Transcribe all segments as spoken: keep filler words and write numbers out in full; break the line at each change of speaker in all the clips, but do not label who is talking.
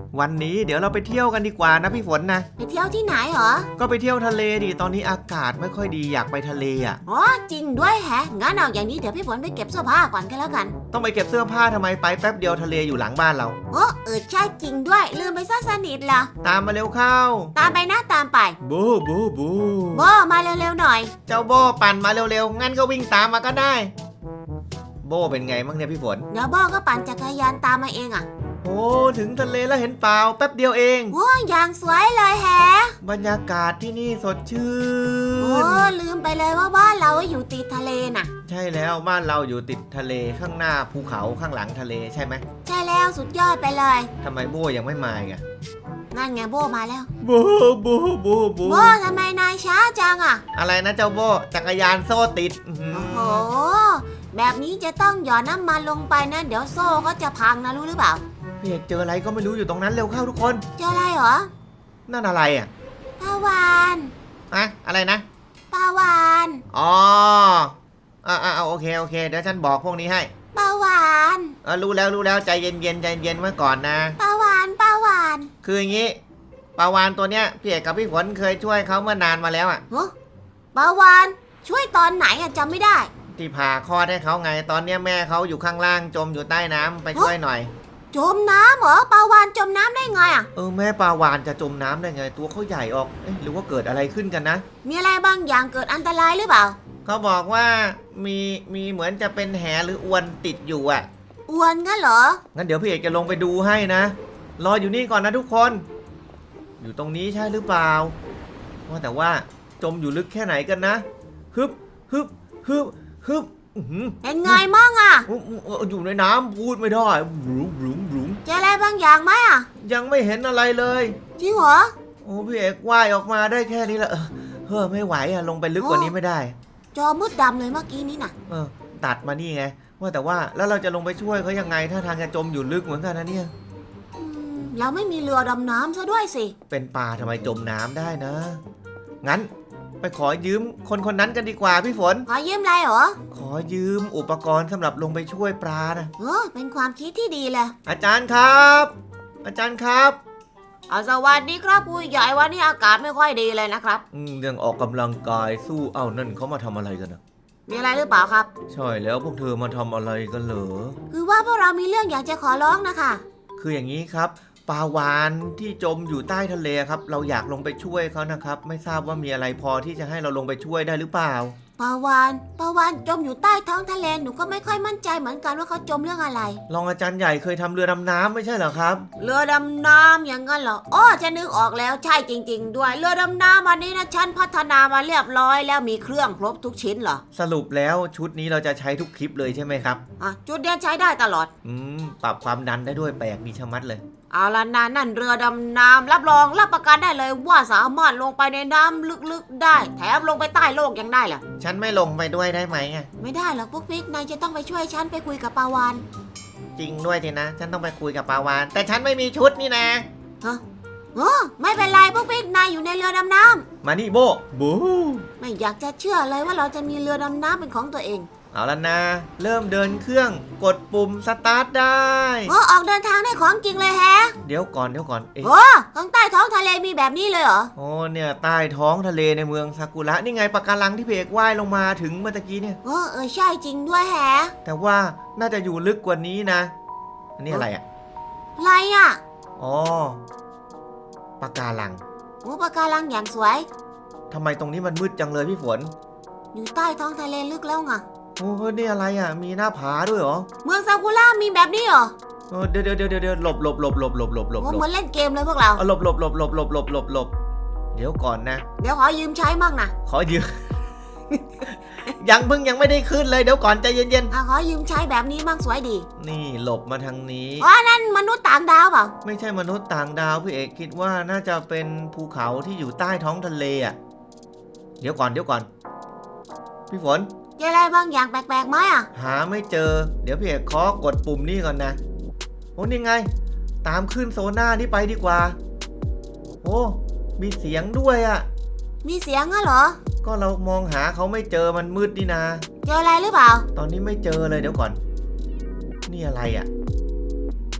วันนี้เดี๋ยวเราไปเที่ยวกันดีกว่านะพี่ฝนนะ
ไปเที่ยวที่ไหนเหรอ
ก็ไปเที่ยวทะเลดิตอนนี้อากาศไม่ค่อยดีอยากไปทะเลอ่ะ
อ๋อจริงด้วยแฮะงั้นเอาอย่างนี้เดี๋ยวพี่ฝนไปเก็บเสื้อผ้าก่อนกันแล้วกัน
ต้องไปเก็บเสื้อผ้าทำไมไปแป๊บเดียวทะเลอยู่หลังบ้านเรา
โอ้เออใช่จริงด้วยลืมไปซะสนิทละ
ตามมาเร็วเข้า
ตามไปนะตามไป
บูบูบู
โบมาเร็วๆหน่อย
เจ้าโบปั่นมาเร็วๆงั้นก็วิ่งตามมาก็ได้โบเป็นไงบ้างเนี่ยพี่ฝน
เดี๋ยวโบก็ปั่นจักรยานตามมาเองอ่ะ
โอ้ถึงทะเลแล้วเห็นเปล่าแป๊บเดียวเอง
โอ้อย่างสวยเลยแฮะ
บรรยากาศที่นี่สดชื่น
โอ้ลืมไปเลยว่าบ้านเราอยู่ติดทะเลน่ะ
ใช่แล้วบ้านเราอยู่ติดทะเลข้างหน้าภูเขาข้างหลังทะเลใช่ไหม
ใช่แล้วสุดยอดไปเลย
ทำไมโบยังไม่มาอ่ะ
นั่นไงโบมาแล้ว
โบโบโบโบ
โบทำไมนายช้าจังอ่ะ
อะไรนะเจ้าโบจักรยานโซ่ติด
โอ้โหแบบนี้จะต้องหยอดน้ำมันลงไปนะเดี๋ยวโซ่ก็จะพังนะรู้หรือเปล่า
พี่เอกเจออะไรก็ไม่รู้อยู่ตรงนั้นเร็วเข้าทุกคน
เจออะไรเหรอ
นั่นอะไรอ่ะ
ปลาวาฬ
อะอะไรนะ
ปลาวาฬ
อ๋ออ่าอ่าโอเคโอเคเดี๋ยวฉันบอกพวกนี้ให้
ปลาวาฬ
เออรู้แล้วรู้แล้วใจเย็นเย็นใจเย็นไว้ก่อนนะ
ปลาวาฬปลาวาฬ
คืออย่างงี้ปลาวาฬตัวเนี้ยพี่เอกกับพี่ฝนเคยช่วยเขาเมื่อนานมาแล้วอ่ะ
ฮะปลาวาฬช่วยตอนไหนอ่ะจำไม่ได้
ที่ผ่าคลอดให้เขาไงตอนเนี้ยแม่เขาอยู่ข้างล่างจมอยู่ใต้น้ำไปช่วยหน่อย
จมน้ำเหรอปลาวาฬจมน้ำได้ไงอ่ะ
เออแม่ปลาวาฬจะจมน้ำได้ไงตัวเขาใหญ่ออกเอ๊ะหรือว่าเกิดอะไรขึ้นกันนะ
มีอะไรบางอย่างเกิดอันตรายหรือเปล่า
เขาบอกว่ามีมีเหมือนจะเป็นแหหรืออวนติดอยู่อ่ะ
อวนงั้นเหรอ
งั้นเดี๋ยวพี่เอกจะลงไปดูให้นะรออยู่นี่ก่อนนะทุกคนอยู่ตรงนี้ใช่หรือเปล่าว่าแต่ว่าจมอยู่ลึกแค่ไหนกันนะฮึบฮึบฮึบฮึบ
เป็นไงมั่งอ่ะ
อยู่ในน้ำพูดไม่ได้บลูบลูบลู
เจออะไรบางอย่างไหมอ่ะ
ยังไม่เห็นอะไรเลย
จริงเหรอ
โอ้พี่เอกว่ายออกมาได้แค่นี้ละเฮ้อไม่ไหวอะลงไปลึกกว่านี้ไม่ได้
จอมืดดำเลยเมื่อกี้นี้น่ะ
เออตัดมานี่ไงว่าแต่ว่าแล้วเราจะลงไปช่วยเขายังไงถ้าทางจะจมอยู่ลึกเหมือนกันนะเนี่ย
เราไม่มีเรือดำน้ำซะด้วยสิ
เป็นปลาทำไมจมน้ำได้นะงั้นไปขอยืมคนคนนั้นกันดีกว่าพี่ฝน
ขอยืมอะไรเหรอ
ขอยืมอุปกรณ์สำหรับลงไปช่วยปลานะ
เออเป็นความคิดที่ดีเลย
อาจารย์ครับอาจารย์ครับ
เอาสวัสดีครับผู้ใหญ่วันนี้อากาศไม่ค่อยดีเลยนะครับ
อืมเรื่องออกกำลังกายสู้เอ้านั่นเขามาทำอะไรกันนะ
มีอะไรหรือเปล่าครับ
ใช่แล้วพวกเธอมาทำอะไรกันเหรอ
คือว่าพวกเรามีเรื่องอยากจะขอร้องนะคะ
คืออย่างนี้ครับปลาวาฬที่จมอยู่ใต้ทะเลครับเราอยากลงไปช่วยเขานะครับไม่ทราบว่ามีอะไรพอที่จะให้เราลงไปช่วยได้หรือเปล่า
ปลาวาฬปลาวาฬจมอยู่ใต้ท้องทะเลหนูก็ไม่ค่อยมั่นใจเหมือนกันว่าเขาจมเรื่องอะไร
รองอาจารย์ใหญ่เคยทำเรือดำน้ำไม่ใช่เหรอครับ
เรือดำน้ำอย่างนั้นเหรออ้อจะนึกออกแล้วใช่จริงๆด้วยเรือดำน้ำวันนี้นะฉันพัฒนามาเรียบร้อยแล้วมีเครื่องครบทุกชิ้นเหรอ
สรุปแล้วชุดนี้เราจะใช้ทุกคลิปเลยใช่ไหมครับ
อ่ะชุดเดียวใช้ได้ตลอด
อืมปรับความดันได้ด้วยแปลกมีชะมัดเลย
เอาละนะนั่นเรือดำน้ำรับรองรับประกันได้เลยว่าสามารถลงไปในน้ำลึกๆได้แถมลงไปใต้โลกยังได้ล่ะ
ฉันไม่ลงไปด้วยได้ไหมอ่ะ
ไม่ได้หรอกปุ๊กปิ๊กนายจะต้องไปช่วยฉันไปคุยกับปาวาน
จริงด้วยทีนะฉันต้องไปคุยกับปาวานแต่ฉันไม่มีชุดนี่นะ
ฮะโอ้ไม่เป็นไรปุ๊กปิ๊กนายอยู่ในเรือดำน้
ำมานี่โบบู
ไม่อยากจะเชื่อเลยว่าเราจะมีเรือดำน้ำเป็นของตัวเอง
เอาละนะเริ่มเดินเครื่องกดปุ่มสตาร์ทได้
โอ้ออกเดินทางได้ของจริงเลยแฮะ
เดี๋ยวก่อนเดี๋ยวก่อน
โอ้ข้างใต้ท้องทะเลมีแบบนี้เลยเหรอ
โอ้เนี่ยใต้ท้องทะเลในเมืองซากุระนี่ไงปะการังที่เพกว่ายลงมาถึงเมื่อกี้เนี่ย
เออเออใช่จริงด้วยแฮะ
แต่ว่าน่าจะอยู่ลึกกว่านี้นะอันนี้อะไรอ่ะ
อะไรอ่ะ
อ๋อปะการัง
โอ้ปะการังอย่างสวย
ทำไมตรงนี้มันมืดจังเลยพี่ฝน
อยู่ใต้ท้องทะเลลึกแล้วไง
โอ้นี่อะไรอ่ะมีหน้าผาด้วยเหรอ
เมืองซากุระมีแบบนี้เหรอ
เดี๋ยวเดี๋ยวเดี๋ยวเดี๋ยวหลบหลบหลบหลบหลบหลบหลบ
เหมือนเล่นเกมเลยพวกเรา
หลบหลบหลบหลบหลบหลบหลบหลบเดี๋ยวก่อนนะ
เดี๋ยวขอยืมใช้มั่งนะ
ขอยืม ยังเพิ่งยังไม่ได้ขึ้นเลยเดี๋ยวก่อนใจเย็น
ๆอ่ะขอยืมใช้แบบนี้มั่งสวยดี
นี่หลบมาทางนี้
อ๋อนั่นมนุษย์ต่างดาวเปล่า
ไม่ใช่มนุษย์ต่างดาวพี่เอกคิดว่าน่าจะเป็นภูเขาที่อยู่ใต้ท้องทะเลอ่ะเดี๋ยวก่อนเดี๋ยวก่อนพี่ฝน
เจออะไรบางอย่างแปลกๆไหมอ่ะ
หาไม่เจอเดี๋ยวพี่เอกขอกดปุ่มนี่ก่อนนะโอ้นี่ไงตามขึ้นโซน่านี่ไปดีกว่าโอ้มีเสียงด้วยอ่ะ
มีเสียงอ่ะเหรอ
ก็เรามองหาเขาไม่เจอมันมืดนี่นา
เจออะไรหรือเปล่า
ตอนนี้ไม่เจอเลยเดี๋ยวก่อนนี่อะไรอ่ะ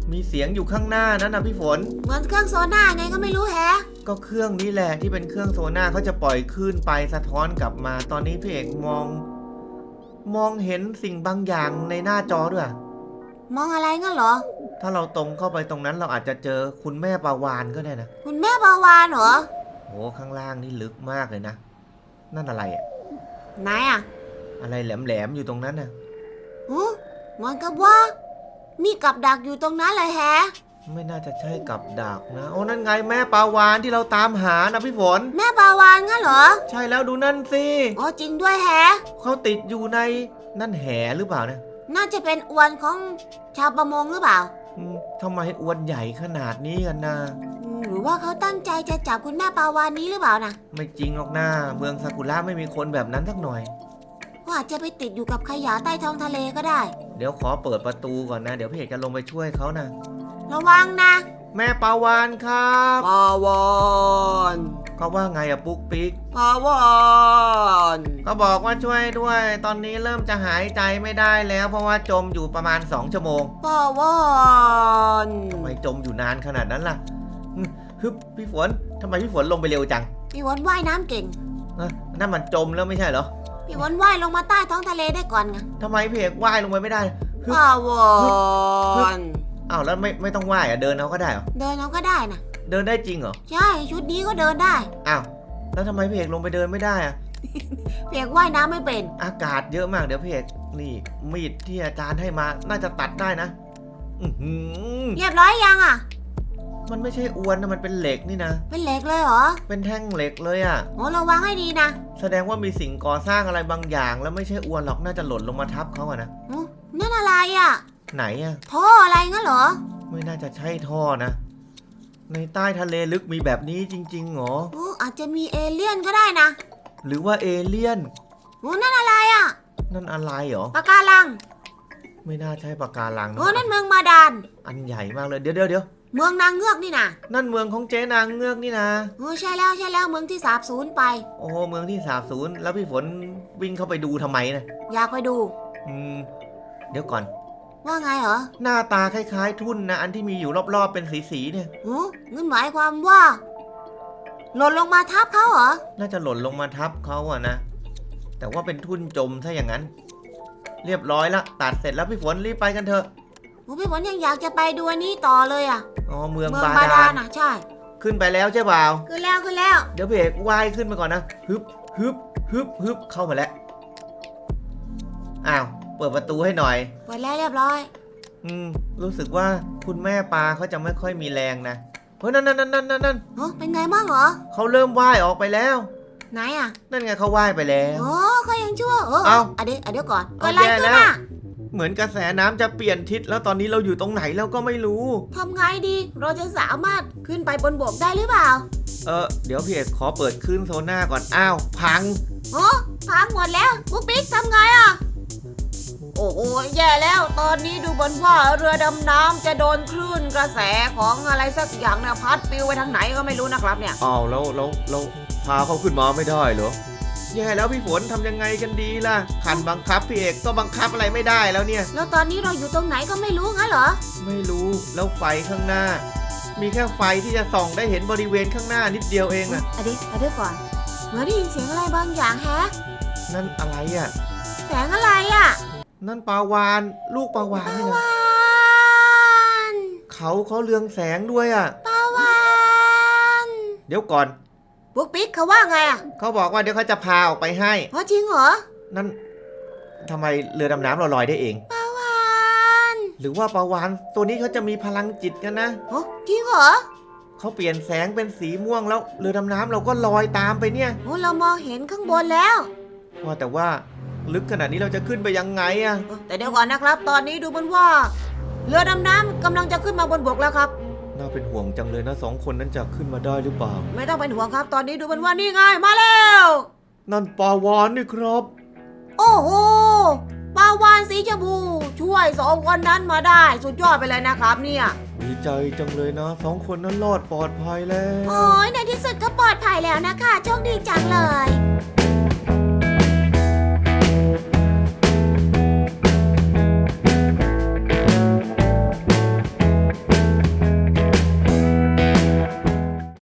มีเสียงอยู่ข้างหน้านั้นนะพี่ฝน
เหมือนเครื่องโซน่าไงก็ไม่รู้แฮะ
ก็เครื่องนี้แหละที่เป็นเครื่องโซน่าเขาจะปล่อยคลื่นไปสะท้อนกลับมา ตอนนี้พี่เอกมอง มองเห็นสิ่งบางอย่างในหน้าจอด้วย
มองอะไรงั้นเหรอ
ถ้าเราตรงเข้าไปตรงนั้นเราอาจจะเจอคุณแม่ปาวานก็ได้นะ
คุณแม่ปาวานเหรอ
โอ้ข้างล่างนี่ลึกมากเลยนะ นั่นอะไรอะ
ไหนอ่ะ
อะไรแหลมๆอยู่ตรงนั้นน่ะ
หูเหมือนกับว่า มีกับดักอยู่ตรงนั้นเลยแฮะ
ไม่น่าจะใช่กับดักนะ โอ้นั่นไงแม่ปลาวานที่เราตามหานะพี่ฝน
แม่ปาวานงั้นเหรอ
ใช่แล้วดูนั่นสิ
อ๋อจริงด้วยแฮะ
เขาติดอยู่ในนั่นแหหรือเปล่านะ
น่าจะเป็นอวนของชาวประมงหรือเปล่า
อืมทำไมอวนใหญ่ขนาดนี้กันนะ
อืมหรือว่าเขาตั้งใจจะจับคุณแม่ปาวานนี้หรือเปล่านะ
ไม่จริงหรอกนะเมืองซากุระไม่มีคนแบบนั้นสักหน่อย
ก็อาจจะไปติดอยู่กับขยะใต้ท้องทะเลก็ได้
เดี๋ยวขอเปิดประตูก่อนนะ เดี๋ยวพี่เอกจะลงไปช่วยเขานะ
ระวังนะ
แม่ปลาวานครับ
ปาวาน
เขาว่าไงอะปุ๊กปิ๊ก
ปาวาน
ก็บอกว่าช่วยด้วย ตอนนี้เริ่มจะหายใจไม่ได้แล้ว เพราะว่าจมอยู่ประมาณสองชั่วโมง
ปาวาน
ทำไมจมอยู่นานขนาดนั้นล่ะอืมฮึบพี่ฝนทำไมพี่ฝนลงไปเร็วจัง
พี่วอนว่ายน้ำเก่ง
เอ้อนั่นมันจมแล้วไม่ใช่เหรอ
พี่วอนว่ายลงมาใต้ท้องทะเลได้ก่อนไง
ทำไมพี่เอกว่ายลงไปไม่ได้ฮึบ
ปาวาน
อ้าวแล้วไม่ไม่ต้องว่ายอะเดินเอาก็ได้เหรอ
เดินเอาก็ได้นะ
เดินได้จริงเหรอ
ใช่ชุดนี้ก็เดินได้
อ้าวแล้วทำไมพี่เอกลงไปเดินไม่ได้อะ
เพียกว่ายน้ำไม่เป็น
อากาศเยอะมากเดี๋ยวพี่เอกนี่มีดที่อาจารย์ให้มาน่าจะตัดได้นะอือหือ
เรียบร้อยยังอ่ะ
มันไม่ใช่อวนนะมันเป็นเหล็กนี่นะ
เป็นเหล็กเลยเหรอ
เป็นแท่งเหล็กเลยอะ
โอ้ระวังให้ดีนะ
แสดงว่ามีสิ่งก่อสร้างอะไรบางอย่าง แล้วไม่ใช่อวนหรอกน่าจะหล่นลงมาทับเขาอะนะ
โอ้นั่นอะไรอ่ะ
ไหนอะ
ท่ออะไรงั้นเหรอ
ไม่น่าจะใช่ท่อนะ ในใต้ทะเลลึกมีแบบนี้จริงๆเหรอ
โอ้อาจจะมีเอเลี่ยนก็ได้นะ
หรือว่าเอเลี่ยน
โอ้นั่นอะไรอ่ะ
นั่นอะไรเหรอ
ปะการัง
ไม่น่าใช่ปะการังนะ
โอ้นั่นเมืองมาดาน
อันใหญ่มากเลยเดี๋ยวเดี๋ยวเดี๋ยว
เมืองนางเงือกนี่นะ
นั่นเมืองของเจ๊นางเงือกนี่นะ
โอ้ใช่แล้วใช่แล้วเมืองที่สาบสูญไป
โอ้เมืองที่สาบสูญแล้วพี่ฝนวิ่งเข้าไปดูทำไมนะ
อยากไปดู
อืมเดี๋ยวก่อน
ว่าไงเหรอ
หน้าตาคล้ายๆ ทุ่นนะอันที่มีอยู่รอบๆเป็นสีๆเนี่ย
โอ้งั้นหมายความว่า หล่นลงมาทับเขาเหรอ
น่าจะหล่นลงมาทับเขาอะนะ แต่ว่าเป็นทุ่นจมถ้าอย่างนั้น เรียบร้อยละตัดเสร็จแล้วพี่ฝนรีบไปกันเถอะ
โอ้พี่ฝนยังอยากจะไปดูอันนี้ต่อเลยอ่ะ
อ๋อเมือง
เมือง
บา
บา
ดา
ดา
ล
ลน่ะใช่
ขึ้นไปแล้วใช่เปล่า
ขึ้นแล้วขึ้นแล้ว
เดี๋ยวพี่เอกว่ายขึ้นมาก่อนนะฮึบฮึบฮึบฮึบเข้ามาแล้วอ้าวเปิดประตูให้หน่อย
เปิดแล้วเรียบร้อย
อืมรู้สึกว่าคุณแม่ปลาเขาจะไม่ค่อยมีแรงนะเฮ้ยนั่นนั่นนั่นนั่นนั่น
โอ้เป็นไงบ้างเหรอ
เขาเริ่มว่ายออกไปแล้ว
ไหนอ่ะ
นั่นไงเขาว่ายไปแล้ว
โอ้เขายังชั่วเออ
เอ้า
อ่ะเดี๋ยวอ่ะเดี๋ยวก่อน
เอา
เกิดอะไร
แย่
ขึ้น
แล้ว
อ่ะ
เหมือนกระแสน้ำจะเปลี่ยนทิศแล้วตอนนี้เราอยู่ตรงไหนแล้วก็ไม่รู้
ทำไงดี เราจะสามารถขึ้นไปบนบกได้หรือเปล่า
เออเดี๋ยวพี่เอกขอเปิดคลื่นโซน่าก่อนอ้าวพัง
โอ้พังหมดแล้วปุ๊กปิ๊กทำไงอ่ะ โอ้โหแย่แล้ว ตอนนี้ดูบนว่าเรือดำน้ำจะโดนคลื่นกระแสของอะไรสักอย่างเนี่ยพัดปลิวไปทางไหนก็ไม่รู้นะครับเนี่ย
อ้าวแล้วแล้วแล้วพาเขาขึ้นมาไม่ได้เหรอแย่แล้วพี่ฝนทำยังไงกันดีล่ะขันบังคับพี่เอกก็บังคับอะไรไม่ได้แล้วเนี่ย
แล้วตอนนี้เราอยู่ตรงไหนก็ไม่รู้งั้นเหรอ
ไม่รู้แล้วไฟข้างหน้า มีแค่ไฟที่จะส่องได้เห็นบริเวณข้างหน้านิดเดียวเองอะ
อะดิอะดิก่อนเหมือนได้ยินเสียงอะไรบางอย่างแฮะ
นั่นอะไรอะ
แสงอะไรอ่ะ
นั่นปลาวานลูกปลาวานนี่นะ
วาน
เขาเขาเรืองแสงด้วยอะ
ปาวาน
เดี๋ยวก่อน
ปุ๊กปิ๊กเขาว่าไงอ่ะ
เขาบอกว่าเดี๋ยวเขาจะพาออกไปให้
อ๋อจริงเหรอ
นั่นทำไมเรือดำน้ำเราลอยได้เอง
ปาวาน
หรือว่าปลาวานตัวนี้เขาจะมีพลังจิตกันนะ
โอ้จริงเหรอ
เขาเปลี่ยนแสงเป็นสีม่วงแล้วเรือดำน้ำเราก็ลอยตามไปเนี่ย
โอ้เรามองเห็นข้างบนแล้ว
ว่าแต่ว่าลึกขนาดนี้เราจะขึ้นไปยังไงอะ
เออแต่เดี๋ยวก่อนนะครับ ตอนนี้ดูเหมือนว่า เรือดำน้ำกำลังจะขึ้นมาบนบกแล้วครับ
น่าเป็นห่วงจังเลยนะสองคนนั้นจะขึ้นมาได้หรือเปล่า
ไม่ต้องเป็นห่วงครับ ตอนนี้ดูเหมือนว่านี่ไงมาแล้ว
นั่นปลาวานนี่ครับ
โอ้โหปลาวานสีชมพูช่วยสองคนนั้นมาได้ สุดยอดไปเลยนะครับเนี่ย
ดีใจจังเลยนะสองคนนั้นรอดปลอดภัยแล้ว
โอ้ยในที่สุดก็ปลอดภัยแล้วนะคะโชคดีจังเลย